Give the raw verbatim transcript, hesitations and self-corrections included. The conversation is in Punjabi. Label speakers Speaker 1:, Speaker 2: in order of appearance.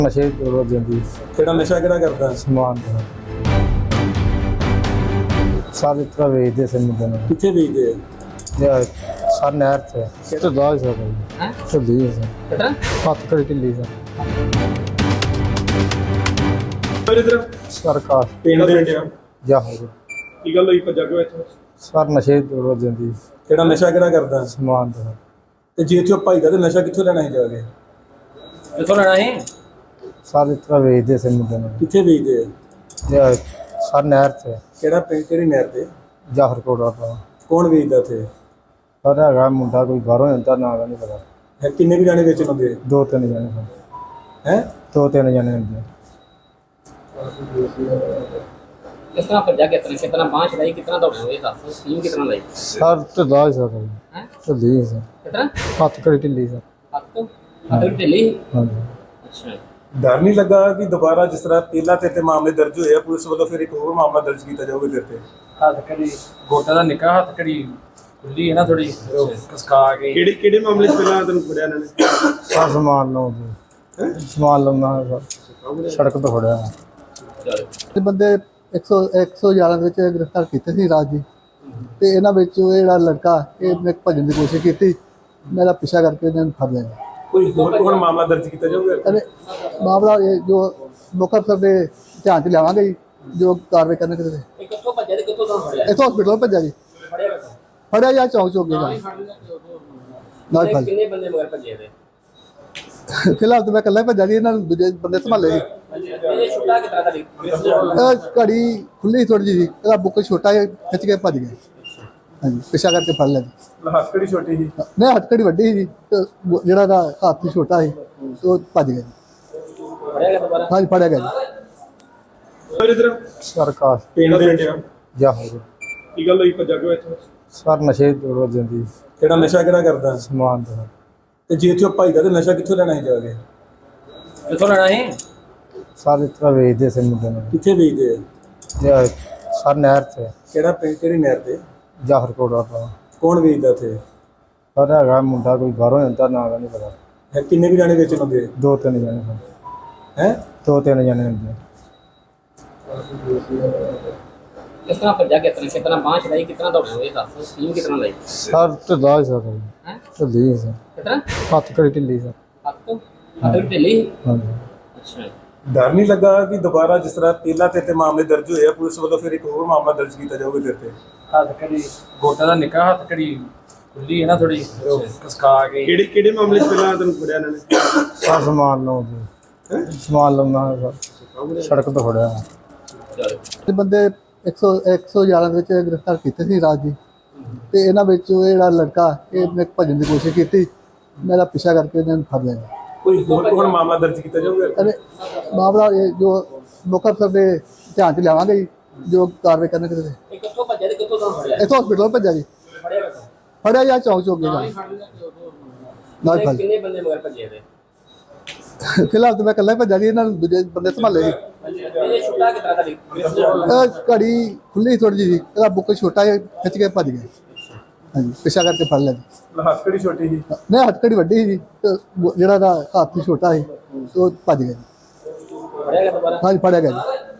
Speaker 1: ਨਸ਼ੇ ਤੋਂ ਜਾਂਦੀ
Speaker 2: ਕਿਹੜਾ ਨਸ਼ਾ ਕਿਹੜਾ ਕਰਦਾ?
Speaker 1: ਸਮਾਨ ਦਾ ਸਾਰੇ ਤਰ੍ਹਾਂ ਵੇਚਦੇ ਸੀ ਮੁੰਡੇ ਨੂੰ
Speaker 2: ਕਿੱਥੇ ਵੇਚਦੇ ਆ?
Speaker 1: ਯਾਰ ਸਰ ਨਹਿਰ ਤੇ ਤੇ ਦਾਜ ਸਰ
Speaker 3: ਹੈਂ?
Speaker 1: ਢਿੱਲੀ ਸੀ
Speaker 3: ਕਿਤਨਾ
Speaker 1: ਹੱਥ ਕੜੀ ਢਿੱਲੀ ਸੀ
Speaker 2: ਫਿਰ ਇਧਰ
Speaker 1: ਸਰਕਾਰ
Speaker 2: ਪਿੰਡ ਦੇ ਇੰਡੀਆ
Speaker 1: ਜਾ ਹੋ ਗਈ
Speaker 2: ਕੀ ਗੱਲ ਹੋਈ ਭੱਜਾ ਕਿਉਂ ਇੱਥੋਂ?
Speaker 1: ਸਰ ਨਸ਼ੇ ਤੋਂ ਜਾਂਦੀ
Speaker 2: ਕਿਹੜਾ ਨਸ਼ਾ ਕਿਹੜਾ ਕਰਦਾ?
Speaker 1: ਸਮਾਨ ਦਾ
Speaker 2: ਤੇ ਜੇ ਇੱਥੇ ਭਾਈ ਦਾ ਤੇ ਨਸ਼ਾ ਕਿੱਥੋਂ ਲੈਣਾ ਸੀ ਜਾ ਕੇ?
Speaker 3: ਕਿੱਥੋਂ ਲੈਣਾ ਸੀ?
Speaker 1: ਸਾਰੇ ਤਰ੍ਹਾਂ ਵੇਚਦੇ ਸੀ ਮੁੰਡੇ ਨੂੰ
Speaker 2: ਕਿੱਥੇ ਵੇਚਦੇ ਆ?
Speaker 1: ਯਾਰ ਸਰ ਨਹਿਰ ਤੇ
Speaker 2: ਕਿਹੜਾ ਪਿੰਡ ਕਿਹੜੀ ਨਹਿਰ ਤੇ?
Speaker 1: ਜਾਹਰ ਕੋੜਾ ਦਾ
Speaker 2: ਕੌਣ ਵੇਚਦਾ ਇੱਥੇ?
Speaker 1: ਪਰ ਹੈਗਾ ਮੁੰਡਾ ਕੋਈ ਬਾਹਰੋਂ ਜਾਂਦਾ ਨਾ ਦਾ ਨਹੀਂ ਪਤਾ
Speaker 2: ਹੈ ਕਿੰਨੇ ਕੁ ਜਾਣੇ ਵੇਚਣ ਹੁੰਦੇ?
Speaker 1: ਦੋ ਤਿੰਨ ਜਣੇ ਸਨ।
Speaker 2: ਹੈ
Speaker 1: ਦੋ ਤਿੰਨ ਜਣੇ ਹੁੰਦੇ
Speaker 3: किस तरह भज्जा कितना कितना बांह चलाई कितना दौड़ा ये दस टीम कितना लाई
Speaker 1: ਸਰ ਤੇ ਦਾਜ ਸਰ
Speaker 3: हैं
Speaker 1: ਢਿੱਲੀ ਸੀ
Speaker 3: कितना
Speaker 1: ਹੱਥ ਕੜੀ ਢਿੱਲੀ ਸੀ
Speaker 3: हाथ तो हाथ ढिल्ली
Speaker 1: ਹਾਂਜੀ
Speaker 3: अच्छा
Speaker 2: ਡਰ ਨਹੀਂ ਲੱਗਾ ਕਿ ਦੁਬਾਰਾ ਜਿਸ ਤਰ੍ਹਾਂ ਪਹਿਲਾਂ ਤੇ ਤੇ ਮਾਮਲੇ ਦਰਜ ਹੋਏ ਆ ਪੁਲਿਸ ਵੱਲੋਂ ਫਿਰ ਇੱਕ ਹੋਰ ਮਾਮਲਾ ਦਰਜ ਕੀਤਾ ਜਾਊਗਾ ਤੇਰੇ ਤੇ?
Speaker 4: ਹੱਥ ਕੜੀ ਗੋਟਾ ਦਾ ਨਿੱਕਾ ਹੱਥ ਕੜੀ ਖੁੱਲੀ ਹੈ ਨਾ ਥੋੜੀ ਕਸਕਾ ਕੇ
Speaker 2: ਕਿਹੜੇ ਕਿਹੜੇ ਮਾਮਲੇ 'ਚ ਪਹਿਲਾਂ ਤੈਨੂੰ ਫੜਿਆ ਇਹਨਾਂ ਨੇ?
Speaker 1: ਸਰ ਸਮਾਨ ਲਾਉਂਦੇ ਸਮਾਨ ਲਾਉਣਾ ਸਰ ਸੜਕ ਤੋਂ ਫੜਿਆ
Speaker 5: ਤੇ ਬੰਦੇ ਇੱਕ ਸੌ ਇੱਕ ਸੌ ਗਿਆਰਾਂ ਦੇ ਵਿੱਚ ਗ੍ਰਿਫਤਾਰ ਕੀਤੇ ਸੀ ਰਾਜ ਜੀ ਤੇ ਇਹਨਾਂ ਵਿੱਚ ਉਹ ਜਿਹੜਾ ਲੜਕਾ ਇਹਨੇ ਭੱਜਣ ਦੀ ਕੋਸ਼ਿਸ਼ ਕੀਤੀ ਮੇਰਾ ਪਿੱਛਾ ਕਰਕੇ ਇਹਨਾਂ ਨੂੰ ਫੜ ਲਿਆ
Speaker 2: ਕੋਈ ਹੋਰ ਕੋਈ ਮਾਮਲਾ ਦਰਜ ਕੀਤਾ ਜਾਊਗਾ?
Speaker 5: ਅਤੇ ਮਾਮਲਾ ਇਹ ਜੋ ਮੁੱਖ ਅਫਸਰ ਦੇ ਧਿਆਨ 'ਚ ਲਿਆਵਾਂਗੇ ਜੀ ਜੋ ਕਾਰਵਾਈ ਕਰਨੀ ਕਿਤੇ
Speaker 3: ये कितों भज्जा ते कितों दौड़ भज्जा
Speaker 5: ਇੱਥੋਂ ਹਸਪੀਟਲ ਭੱਜਿਆ ਜੀ
Speaker 3: बड़े बड़े
Speaker 5: ਫੜਿਆ ਜਾਂ ਚੌਂਕ ਚੌਕ ਗਿਆ ਨਾਲ ਫੜ
Speaker 3: कितने बंदे मगर भज्जे थे
Speaker 5: ਫਿਲਹਾਲ ਤਾਂ ਮੈਂ ਇਕੱਲਾ ਹੀ ਭੱਜਾ ਜੀ ਇਹਨਾਂ ਨੂੰ ਦੂਜੇ ਬੰਦੇ ਸੰਭਾਲੇ ਸੀ
Speaker 3: ये छुट्टा कितना था
Speaker 5: ਇਹ ਘੜੀ ਖੁੱਲੀ ਥੋੜੀ ਜਿਹੀ ਇਹਦਾ ਬੁੱਕ ਛੋਟਾ ਜਿਹਾ ਖਿੱਚ ਕੇ ਭੱਜ ਗਏ ਹਾਂਜੀ ਪਿੱਛਾ ਕਰਕੇ ਫੜ ਲਿਆ ਜੀ
Speaker 2: ਹੱਥ ਕਿਹੜੀ ਛੋਟੀ ਸੀ?
Speaker 5: ਨਹੀਂ ਹੱਥਕੜੀ ਵੱਡੀ ਸੀ ਜੀ ਤੇ ਜਿਹੜਾ ਦਾ ਹੱਥ ਛੋਟਾ ਸੀ ਉਹ ਭੱਜ ਗਿਆ ਜੀ
Speaker 3: पड़ेगा दोबारा
Speaker 5: ਹਾਂਜੀ ਫੜਿਆ ਗਿਆ ਜੀ
Speaker 2: ਫਿਰ ਇਧਰ
Speaker 1: ਸਰਕਾਰ
Speaker 2: ਪਿੰਡ ਦੇ ਇੰਡੀਆ
Speaker 1: ਜਾ ਹੋ ਗਈ
Speaker 2: ਕੀ ਗੱਲ ਹੋਈ ਭੱਜਾ ਕਿਉਂ ਇੱਥੋਂ?
Speaker 1: ਸਰ ਨਸ਼ੇ ਤੋਂ ਜਾਂਦੀ
Speaker 2: ਕਿਹੜਾ ਨਸ਼ਾ ਕਿਹੜਾ ਕਰਦਾ?
Speaker 1: ਸਮਾਨ ਦਾ
Speaker 2: ਤੇ ਜੇ ਇੱਥੇ ਭਾਈ ਦਾ ਤੇ ਨਸ਼ਾ ਕਿੱਥੋਂ ਲੈਣਾ ਸੀ ਜਾ ਕੇ?
Speaker 3: कितों लेना ਸੀ?
Speaker 1: ਸਾਰੇ ਤਰ੍ਹਾਂ ਵੇਚਦੇ ਸੀ ਮੁੰਡੇ ਨੂੰ
Speaker 2: ਕਿੱਥੇ ਵੇਚਦੇ ਆ?
Speaker 1: ਯਾਰ ਸਰ ਨਹਿਰ ਤੇ
Speaker 2: ਕਿਹੜਾ ਪਿੰਡ ਕਿਹੜੀ ਨਹਿਰ ਤੇ?
Speaker 1: ਜਾਹਰ ਕੋੜਾ ਦਾ
Speaker 2: ਕੌਣ ਵੇਚਦਾ ਇੱਥੇ?
Speaker 1: ਪਰ ਹੈਗਾ ਮੁੰਡਾ ਕੋਈ ਬਾਹਰੋਂ ਜਾਂਦਾ ਨਾ ਦਾ ਨਹੀਂ ਪਤਾ
Speaker 2: ਹੈ ਕਿੰਨੇ ਕੁ ਜਾਣੇ ਵੇਚਣ ਹੁੰਦੇ?
Speaker 1: ਦੋ ਤਿੰਨ ਜਣੇ ਸਨ।
Speaker 2: ਹੈ
Speaker 1: ਦੋ ਤਿੰਨ ਜਣੇ ਹੁੰਦੇ
Speaker 3: किस तरह भज्जा कितना कितना बांह चलाई कितना दौड़ा ये दस टीम कितना लाई
Speaker 1: ਸਰ ਤੇ ਦਾਜ ਸਰ
Speaker 3: हैं
Speaker 1: ਢਿੱਲੀ ਸੀ
Speaker 3: कितना
Speaker 1: ਹੱਥ ਕੜੀ ਢਿੱਲੀ ਸੀ
Speaker 3: हाथ तो हाथ ढिल्ली
Speaker 1: ਹਾਂਜੀ
Speaker 3: अच्छा
Speaker 2: ਡਰ ਨਹੀਂ ਲੱਗਾ ਕਿ ਦੁਬਾਰਾ ਜਿਸ ਤਰ੍ਹਾਂ ਪਹਿਲਾਂ ਤੇ ਤੇ ਮਾਮਲੇ ਦਰਜ ਹੋਏ ਆ ਪੁਲਿਸ ਵੱਲੋਂ ਫਿਰ ਇੱਕ ਹੋਰ ਮਾਮਲਾ ਦਰਜ ਕੀਤਾ ਜਾਊਗਾ ਤੇਰੇ ਤੇ?
Speaker 4: ਹੱਥ ਕੜੀ ਗੋਟਾ ਦਾ ਨਿੱਕਾ ਹੱਥ ਕੜੀ ਖੁੱਲੀ ਹੈ ਨਾ ਥੋੜੀ ਕਸਕਾ ਕੇ
Speaker 2: ਕਿਹੜੇ ਕਿਹੜੇ ਮਾਮਲੇ 'ਚ ਪਹਿਲਾਂ ਤੈਨੂੰ ਫੜਿਆ ਇਹਨਾਂ ਨੇ?
Speaker 1: ਸਰ ਸਮਾਨ ਲਾਉਂਦੇ ਸਮਾਨ ਲਾਉਣਾ ਸਰ ਸੜਕ ਤੋਂ ਫੜਿਆ
Speaker 5: ਤੇ ਬੰਦੇ ਇੱਕ ਸੌ ਇੱਕ ਸੌ ਗਿਆਰਾਂ ਦੇ ਵਿੱਚ ਗ੍ਰਿਫਤਾਰ ਕੀਤੇ ਸੀ ਰਾਜ ਜੀ ਤੇ ਇਹਨਾਂ ਵਿੱਚ ਉਹ ਜਿਹੜਾ ਲੜਕਾ ਇਹਨੇ ਭੱਜਣ ਦੀ ਕੋਸ਼ਿਸ਼ ਕੀਤੀ ਮੇਰਾ ਪਿੱਛਾ ਕਰਕੇ ਇਹਨਾਂ ਨੂੰ ਫੜ ਲਿਆ ਜੀ
Speaker 2: ਕੋਈ ਹੋਰ ਕੋਈ ਮਾਮਲਾ ਦਰਜ ਕੀਤਾ ਜਾਊਗਾ?
Speaker 5: ਅਤੇ ਮਾਮਲਾ ਇਹ ਜੋ ਮੁੱਖ ਅਫਸਰ ਦੇ ਧਿਆਨ 'ਚ ਲਿਆਵਾਂਗੇ ਜੀ ਜੋ ਕਾਰਵਾਈ ਕਰਨੀ ਕਿਤੇ
Speaker 3: ये कितों भज्जा ते कितों दौड़ भज्जा
Speaker 5: ਇੱਥੋਂ ਹਸਪੀਟਲ ਭੱਜਿਆ ਜੀ
Speaker 3: बड़े बड़े
Speaker 5: ਫੜਿਆ ਜਾਂ ਚੌਂਕ ਚੌਕ ਗਿਆ ਨਾਲ ਫੜ
Speaker 3: कितने बंदे मगर भज्जे थे
Speaker 5: ਫਿਲਹਾਲ ਤਾਂ ਮੈਂ ਇਕੱਲਾ ਹੀ ਭੱਜਾ ਜੀ ਇਹਨਾਂ ਨੂੰ ਦੂਜੇ ਬੰਦੇ ਸੰਭਾਲੇ ਸੀ
Speaker 3: ये छुट्टा कितना था
Speaker 5: ਇਹ ਘੜੀ ਖੁੱਲੀ ਥੋੜੀ ਜਿਹੀ ਇਹਦਾ ਬੁੱਕ ਛੋਟਾ ਜਿਹਾ ਖਿੱਚ ਕੇ ਭੱਜ ਗਏ ਹਾਂਜੀ ਪਿੱਛਾ ਕਰਕੇ ਫੜ ਲਿਆ ਜੀ
Speaker 2: ਹੱਥ ਕਿਹੜੀ ਛੋਟੀ ਸੀ?
Speaker 5: ਨਹੀਂ ਹੱਥਕੜੀ ਵੱਡੀ ਸੀ ਤੇ ਜਿਹੜਾ ਦਾ ਹੱਥ ਛੋਟਾ ਸੀ ਉਹ ਭੱਜ ਗਿਆ ਜੀ
Speaker 3: पड़ेगा दोबारा
Speaker 5: ਹਾਂਜੀ ਫੜਿਆ ਗਿਆ ਜੀ